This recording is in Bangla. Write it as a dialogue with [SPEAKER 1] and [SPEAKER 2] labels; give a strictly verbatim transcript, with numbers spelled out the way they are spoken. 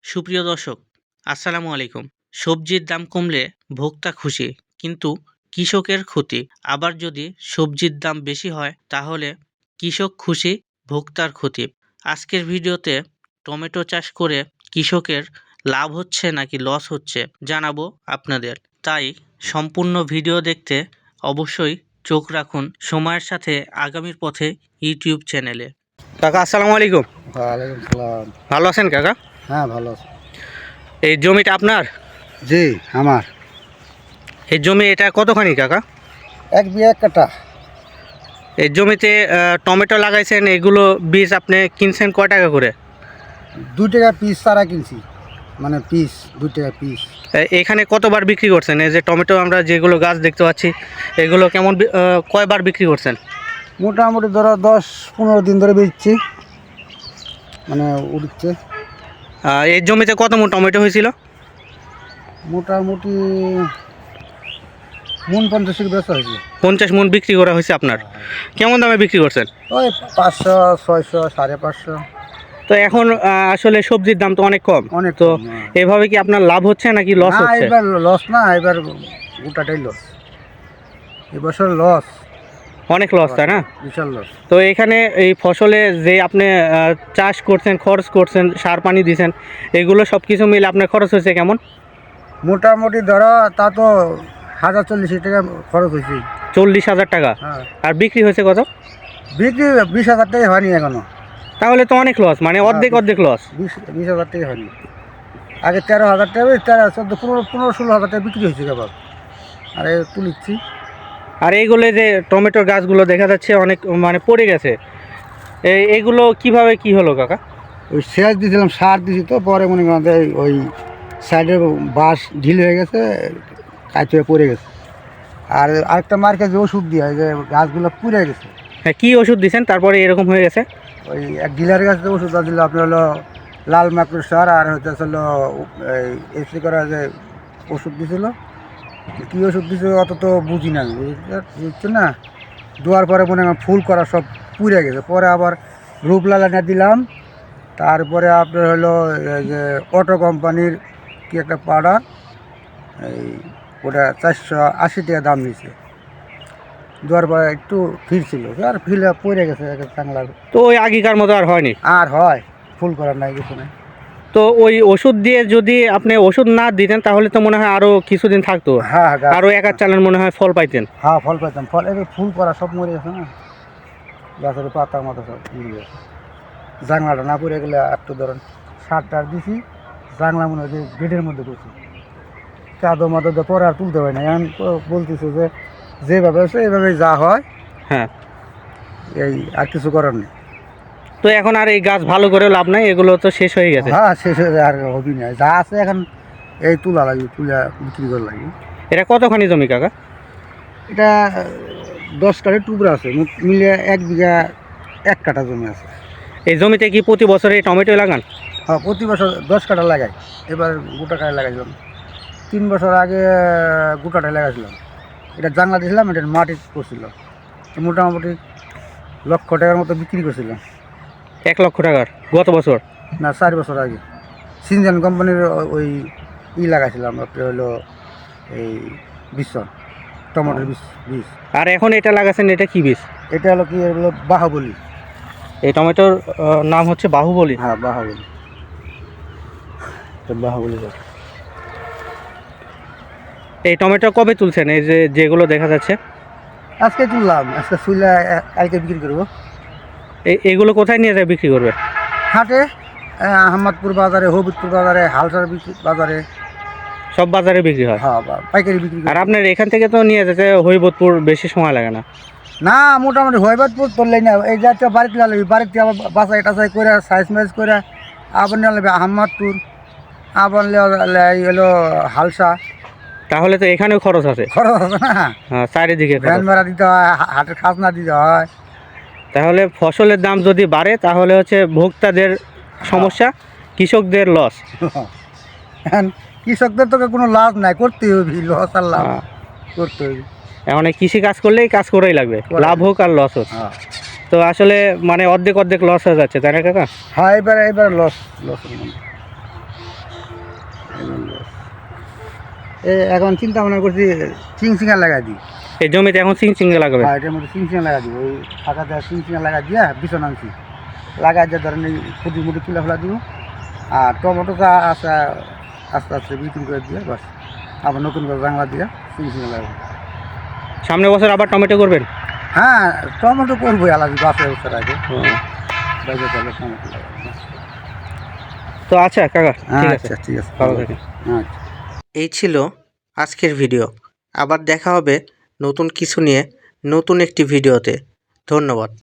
[SPEAKER 1] সুপ্রিয় দর্শক, আসসালামু আলাইকুম। সবজির দাম কমলে ভোক্তা খুশি, কিন্তু কৃষকের ক্ষতি। আবার যদি সবজির দাম বেশি হয় তাহলে কৃষক খুশি, ভোক্তার ক্ষতি। আজকের ভিডিওতে টমেটো চাষ করে কৃষকের লাভ হচ্ছে নাকি লস হচ্ছে জানাবো আপনাদের। তাই সম্পূর্ণ ভিডিও দেখতে অবশ্যই চোখ রাখুন সময়ের সাথে আগামীর পথে ইউটিউব চ্যানেলে। কাকা আসসালামু আলাইকুম।
[SPEAKER 2] ওয়ালাইকুম সালাম।
[SPEAKER 1] ভালো আছেন কাকা?
[SPEAKER 2] হ্যাঁ, ভালো আছি।
[SPEAKER 1] এই জমিটা আপনার?
[SPEAKER 2] জি, আমার
[SPEAKER 1] এই জমি এটা কতখানি কাকা?
[SPEAKER 2] এক বিঘা এক কাঠা।
[SPEAKER 1] এই জমিতে আহ, টমেটো লাগাইছেন, এগুলো বীজ আপনি কিনছেন কয় টাকা করে?
[SPEAKER 2] দুই টাকা পিস চারা কিনছি, মানে পিস দুই টাকা পিস।
[SPEAKER 1] এ- এখানে কতবার বিক্রি করছেন? এই যে টমেটো আমরা যেগুলো গাছ দেখতে পাচ্ছি এগুলো কেমন বি- আহ, কয়বার বিক্রি করছেন?
[SPEAKER 2] মোটামুটি ধরো দশ পনেরো দিন ধরে বেচছি, মানে উঠছে।
[SPEAKER 1] আহ, এই জমিতে কত মন টমেটো হয়েছিল?
[SPEAKER 2] মোটামুটি মন পঞ্চাশের বেচা হয়েছে।
[SPEAKER 1] পঞ্চাশ মন বিক্রি করা হয়েছে আপনার। কেমন দামে বিক্রি করছেন?
[SPEAKER 2] ওই পাঁচশো ছয়শো সাড়ে পাঁচশো।
[SPEAKER 1] তো এখন আহ, আসলে সবজির দাম তো অনেক কম,
[SPEAKER 2] অনেক
[SPEAKER 1] তো
[SPEAKER 2] কম, হ্যাঁ।
[SPEAKER 1] এভাবে কি আপনার লাভ হচ্ছে নাকি লস
[SPEAKER 2] না,
[SPEAKER 1] হচ্ছে?
[SPEAKER 2] এবার লস না, এবার গোটাটাই লস। এবছর লস,
[SPEAKER 1] অনেক লস, তাই না?
[SPEAKER 2] বিশাল লস।
[SPEAKER 1] তো এখানে এই ফসলে যে আপনি আহ, চাষ করছেন, খরচ করছেন, সার পানি দিয়েছেন, এগুলো সব কিছু মিলে আপনার খরচ হয়েছে কেমন?
[SPEAKER 2] মোটামুটি ধরো তা তো হাজার চল্লিশ টাকা খরচ হয়েছে।
[SPEAKER 1] চল্লিশ হাজার টাকা।
[SPEAKER 2] হ্যাঁ,
[SPEAKER 1] আর বিক্রি হয়েছে কত?
[SPEAKER 2] বিক্রি বিশ হাজার টাকা হয়নি এখনো।
[SPEAKER 1] তাহলে তো অনেক লস, মানে অর্ধেক অর্ধেক লস।
[SPEAKER 2] বিশ বিশ হাজার টাকা হয়নি। আগে তেরো হাজার টাকা, তেরো চোদ্দো পনেরো পনেরো ষোলো হাজার টাকা বিক্রি হয়েছে কেবল। আর এই তুলিচ্ছি।
[SPEAKER 1] আর এইগুলো যে টমেটোর গাছগুলো দেখা যাচ্ছে অনেক মানে পড়ে গেছে, এই এগুলো কিভাবে কি হলো কাকা?
[SPEAKER 2] ওই সেচ দিয়েছিলাম, সার দিয়েছি, তো পরে মনে করেন যে ওই সাইডে বাঁশ ঢিল হয়ে গেছে, কাজ হয়ে পড়ে গেছে। আর আরেকটা মার্কে যে ওষুধ দিয়ে হয় যে গাছগুলো পুড়ে গেছে,
[SPEAKER 1] হ্যাঁ, কী ওষুধ দিয়েছেন তারপরে এরকম হয়ে গেছে?
[SPEAKER 2] ওই এক ডিলারের কাছে ওষুধটা দিল আপনার হলো লাল মাকড় সার, আর হচ্ছে হলো এই স্প্রে করা যে ওষুধ দিয়েছিল। কী ওষুধ দিয়েছে অত তো বুঝি না, বুঝছো না। দেওয়ার পরে মনে হয় ফুল করা সব পুড়ে গেছে। পরে আবার রূপলাল এনে দিলাম। তারপরে আপনার হলো এই যে অটো কোম্পানির কি একটা পাউডার, এই ওটা চারশো আশি টাকা দাম নিয়েছে। দেওয়ার পরে একটু ফিরছিল, আর ফিরে পড়ে গেছে চাংলা।
[SPEAKER 1] তো ওই আগেকার মতো আর হয়নি?
[SPEAKER 2] আর হয়, ফুল করার নাই, কিছু নাই।
[SPEAKER 1] তো ওই ওষুধ দিয়ে যদি আপনি ওষুধ না দিতেন তাহলে তো মনে হয় আরও কিছুদিন থাকতো,
[SPEAKER 2] হ্যাঁ, গাছ-
[SPEAKER 1] আরও এক আধ চালান মনে হয় ফল পাইতেন।
[SPEAKER 2] হ্যাঁ, ফল পাইতাম। ফল এই ফুল করা সব মরে গেছে না, গাছের পাতার মতো সব মরে গেছে। জাংলাটা না পড়ে গেলে একটু ধরেন সার টার দিছি, জাংলা মনে হয় যে গেটের মধ্যে করছি, কাদো মাদো দিয়ে পরে আর তুলতে হয় না। এখন তো বলতেছে যে যেভাবে আছে এইভাবে যা হয়,
[SPEAKER 1] হ্যাঁ,
[SPEAKER 2] এই আর কিছু করার নেই।
[SPEAKER 1] তো এখন আর এই গাছ ভালো করে লাভ নাই, এগুলো তো শেষ হয়ে গেছে।
[SPEAKER 2] হ্যাঁ, শেষ হয়ে যায়, আর হবি না। যা আছে এখন এই তুলা লাগবে, তুলা বিক্রি করা লাগে।
[SPEAKER 1] এটা কতখানি জমি কাকা?
[SPEAKER 2] এটা দশ কাঠের টুকরা আছে, মোট মিলে এক বিঘা এক কাঠা জমি আছে।
[SPEAKER 1] এই জমিতে কি প্রতি বছরে টমেটো লাগান?
[SPEAKER 2] হ্যাঁ, প্রতি বছর দশ কাঠা লাগাই। এবার গোটা কাঠা লাগাইছিলাম, তিন বছর আগে গোটাটাই লাগাইছিলাম। এটা জাংলা দিয়েছিলাম, এটা মাটি করছিল, মোটামুটি লক্ষ টাকার মতো বিক্রি করছিলাম।
[SPEAKER 1] এক লক্ষ টাকার গত বছর?
[SPEAKER 2] না, চার বছর আগে সিনজান কোম্পানির ওই ই লাগাইছিলাম, আপনার হলো এই বিশ্বন টমেটোর বীজ বীজ
[SPEAKER 1] আর এখন এটা লাগাচ্ছেন, এটা কি বীজ?
[SPEAKER 2] এটা হলো কি, এগুলো বাহুবলী।
[SPEAKER 1] এই টমেটোর আহ, নাম হচ্ছে বাহুবলী।
[SPEAKER 2] হ্যাঁ, বাহুবলী, এটা বাহুবলী গাছ।
[SPEAKER 1] এই টমেটো কবে তুলছেন, এই যে যেগুলো দেখা যাচ্ছে?
[SPEAKER 2] আজকে তুললাম, আজকে তুলে কালকে বিক্রি করবো।
[SPEAKER 1] এই এগুলো কোথায় নিয়ে যায় বিক্রি করবে?
[SPEAKER 2] হাটে, আহমদপুর বাজারে, হবিবপুর বাজারে, হালসার বিক্রি বাজারে,
[SPEAKER 1] সব বাজারে বিক্রি হয়?
[SPEAKER 2] হ্যাঁ, বা- পাইকারি বিক্রি
[SPEAKER 1] আর
[SPEAKER 2] করি।
[SPEAKER 1] আপনার এখান থেকে তো নিয়ে যেতে হরিবোধপুর, বেশি সময় লাগে না?
[SPEAKER 2] না, মোটামুটি হবিবপুর তুললেই না, এই যাচ্ছে বাড়িতে লাগবে, বাড়িতে আবার বাসাই টাসাই করে সাইজ মাইজ করে আবার নিয়ে লাগবে আহমদপুর, আবার হলো হালসা।
[SPEAKER 1] তাহলে তো এখানেও খরচ আছে।
[SPEAKER 2] খরচ আছে না,
[SPEAKER 1] হ্যাঁ, চারিদিকে খরচ।
[SPEAKER 2] ভ্যান ভাড়া দিতে হয়, হা- হাটের খাজনা দিতে হয়।
[SPEAKER 1] তাহলে ফসলের দাম যদি বাড়ে তাহলে হচ্ছে ভোক্তাদের সমস্যা, কৃষকদের লস।
[SPEAKER 2] এখন কৃষকদের তো কোনো লাভ নাই, করতে হবে, লস আর লাভ করতে হবে।
[SPEAKER 1] এখন এই কৃষি কাজ করলেই কাজ করেই লাগবে, লাভ হোক আর লস হোক।
[SPEAKER 2] হ্যাঁ,
[SPEAKER 1] তো আসলে মানে অর্ধেক অর্ধেক লস হয়ে যাচ্ছে, তাই না কাকা?
[SPEAKER 2] হ্যাঁ, এবারে এবারে লস লস এ এখন চিন্তা ভাবনা করছি চিং চিঙা লাগাই দিই।
[SPEAKER 1] এই জমিতে এখন সিং সিঙ্গে লাগাবে।
[SPEAKER 2] হ্যাঁ, এটার মধ্যে চিং চিঙা লাগাই দিব, ওই ফাঁকা দেওয়া চিং চিঙা লাগাই দিয়া বিছন আনছি, লাগাই দিয়ে ধরেন এই ফুটি মুটি তুলে ফেলা দিব। আর টমেটোটা আস্তে আস্তে আস্তে বিক্রি করে দিয়ে বাস আবার নতুন করে জাংলা দিয়ে চিং চিঙা লাগাবো।
[SPEAKER 1] সামনের বছর আবার টমেটো করবেন?
[SPEAKER 2] হ্যাঁ, টমেটো করবো আলাদা গাছের বছর আগে বাইরে তাহলে টমেটো লাগাবো।
[SPEAKER 1] তো আচ্ছা কাকা, ঠিক আছে,
[SPEAKER 2] আচ্ছা ঠিক আছে,
[SPEAKER 1] ভালো থাকেন।
[SPEAKER 2] আচ্ছা।
[SPEAKER 1] এই ছিল আজকের ভিডিও। আবার দেখা হবে নতুন কিছু নিয়ে নতুন একটি ভিডিওতে। ধন্যবাদ।